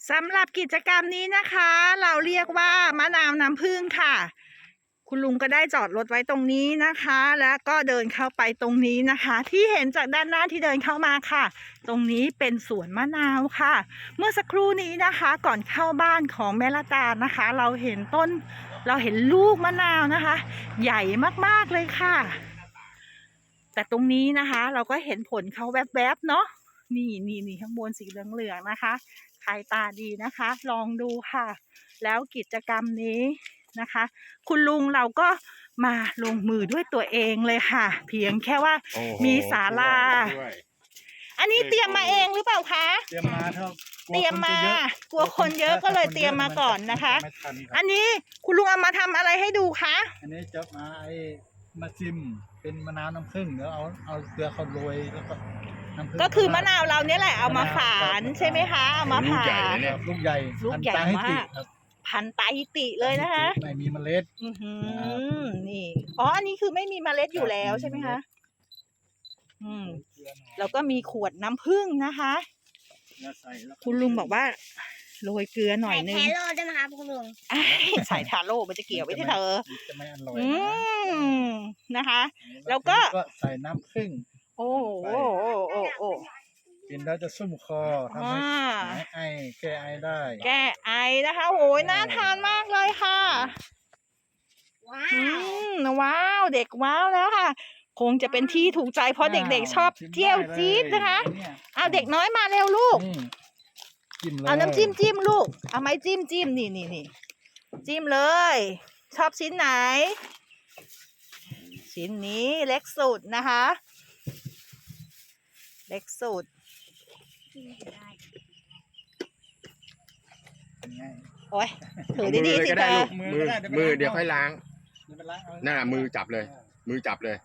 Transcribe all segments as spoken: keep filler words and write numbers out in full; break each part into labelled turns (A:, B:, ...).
A: สำหรับกิจกรรมนี้นะคะ เราเรียกว่ามะนาวน้ำผึ้งค่ะ คุณลุงก็ได้จอดรถไว้ตรงนี้นะคะ แล้วก็เดินเข้าไปตรงนี้นะคะ ที่เห็นจากด้านหน้าที่เดินเข้ามาค่ะ ตรงนี้เป็นสวนมะนาวค่ะ เมื่อสักครู่นี้นะคะ ก่อนเข้าบ้านของแม่ละตานะคะ เราเห็นต้นเราเห็นลูกมะนาวนะคะ ใหญ่มากๆเลยค่ะ แต่ตรงนี้นะคะ เราก็เห็นผลเขาแวบๆเนาะนี่นี่นี่ข้างบนสีเหลืองๆนะคะใครตาดีนะคะ ลองดูค่ะ แล้วกิจกรรมนี้นะคะ คุณลุงเราก็มาลงมือด้วยตัวเองเลยค่ะ เพียงแค่ว่ามีศาลาอันนี้เตรียมมาเองหรือเปล่าคะ
B: เตรียมมาเท่า
A: เตรียมมากลัวคนเยอะก็เลยเตรียมมาก่อนนะคะ อันนี้คุณลุงเอามาทำอะไรให้ดูคะ
B: อันนี้จะมาไอ้มาซิมเป็นมะนาวน้ำผึ้งแล้วเอาเอาเกลือเขาโรยแล้วก็
A: ก็คือมะนาวเราเนี่ยแหละเอามาฝานใช่ไหมคะเอามาฝาน
B: ลูกใหญ่
A: ลูกใหญ่มากพันตาฮิติเลยนะคะ
B: ไม่มีเมล็ด
A: อือหือนี่อ๋ออันนี้คือไม่มีเมล็ดอยู่แล้วใช่ไหมคะอืมแล้วก็มีขวดน้ำผึ้งนะคะคุณลุงบอกว่าโรยเกลือหน่อยนึง
C: ใส่ทาโร่ได้ไหมคะคุณลุง
A: ใส่ทาโร่มันจะเกี่ยวไว้ที่เธอ
B: จะไม่อร่อย
A: นะคะ แล้วก็
B: ใส่น้ำผึ้ง
A: โอ้โอ้โอ้โอ้โอ้
B: กินแล้วจะซุ่มคอทำให้หายไอแก้ไอได้
A: แก้ไอนะคะโอ้ยน่าทานมากเลยค่ะ
C: ว้า
A: วว้าวเด็กว้าวแล้วค่ะคงจะเป็นที่ถูกใจเพราะเด็กๆชอบเที่ยวจี๊ดนะคะเอาเด็กน้อยมาเร็วลูกเอาน้ำจิ้มจิ้มลูกเอาไม้จิ้มจิ้มนี่นี่นี่จิ้มเลยชอบชิ้นไหนชิ้นนี้เล็กสุดนะคะเล็กสุดโอ้ยถือดีๆสิเธอ
D: มือมือเดี๋ยวค่อยล้างหน้ามือจับเลยมือจับเลย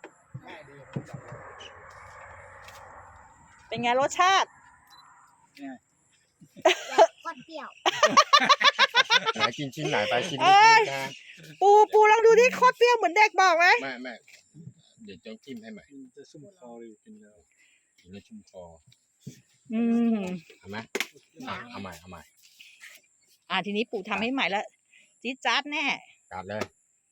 A: เป็นไงรสชาติ
C: ก็เปรี้ยว
D: ไหนกินชิ้นไหนไปชิ้นนี้นะ
A: ปูปูลองดูที่โคตรเปรี้ยวเหมือนเด็กบอกไหม
D: ไม่ไม่เดี๋ยวจะจิ้มให้ใหม่
B: จะชุ่มคออยู่กินแล้ว
D: กินแล้วชุ่มคอ
A: อืม
D: เอาไหมเอาใหม่เอาใหม่
A: อ่าทีนี้ปู่ทำให้ใหม่แล้วจี๊ดจ๊าดแน่
D: จัดเลย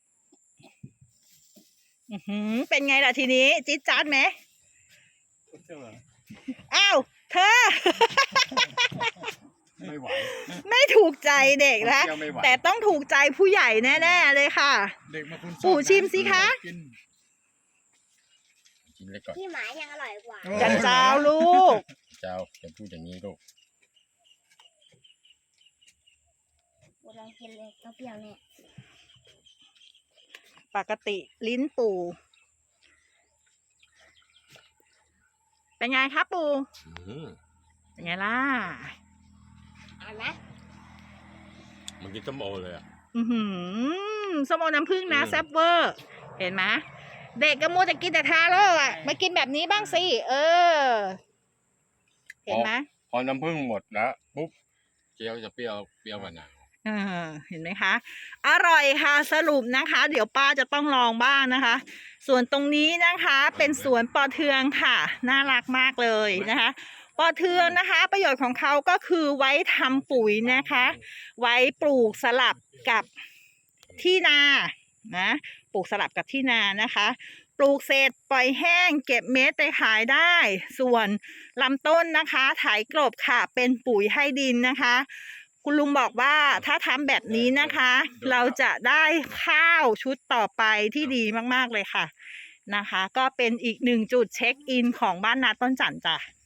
A: อือหือเป็นไงล่ะทีนี้จี๊ดจ๊าดไหมอ้าวเธอ
D: ไม่ไหว
A: ไม่ถูกใจเด็กนะแต่ต้องถูกใจผู้ใหญ่แน่ๆเลยค่ะปู่ชิมสิคะ
D: กินเลยก่อน
C: พี่หมายังอร่อยกว่า
A: จันเจ้าลูก
D: เจ้าจะพูดอย่างนี้ลูก
C: กูลองกินเลยก็เปรี้ยวแน่
A: ปกติลิ้นปู่เป็นไงครับปู่เป็นไงล่ะ
C: อ่านไหม
D: มันกินส้มโอเลยอ่ะ
A: อือหือส้มโอน้ำผึ้งนะแซ่บเวอร์เห็นไหมเด็กก็มัวแต่กินแต่ทาโร่อ่ะมากินแบบนี้บ้างสิเออเห็นไหม
D: พอน้ำผึ้งหมดแล้วปุ๊บเกี๊ยวจะเปรี้ยวเปรี้ยวกว่าหนา
A: เออเห็นไหมคะอร่อยค่ะสรุปนะคะ เดี๋ยวป้าจะต้องลองบ้างนะคะส่วนตรงนี้นะคะเป็นสวนปอเทืองค่ะน่ารักมากเลยนะคะปอเทืองนะคะประโยชน์ของเขาก็คือไว้ทำปุ๋ยนะคะไว้ปลูกสลับกับที่นานะปลูกสลับกับที่นานะคะปลูกเสร็จปล่อยแห้งเก็บเม็ดไปขายได้ส่วนลำต้นนะคะไถกลบค่ะเป็นปุ๋ยให้ดินนะคะคุณลุงบอกว่าถ้าทำแบบนี้นะคะเราจะได้ข้าวชุดต่อไปที่ดีมากๆเลยค่ะนะคะก็เป็นอีกหนึ่งจุดเช็คอินของบ้านนาต้นจันทร์จ้ะ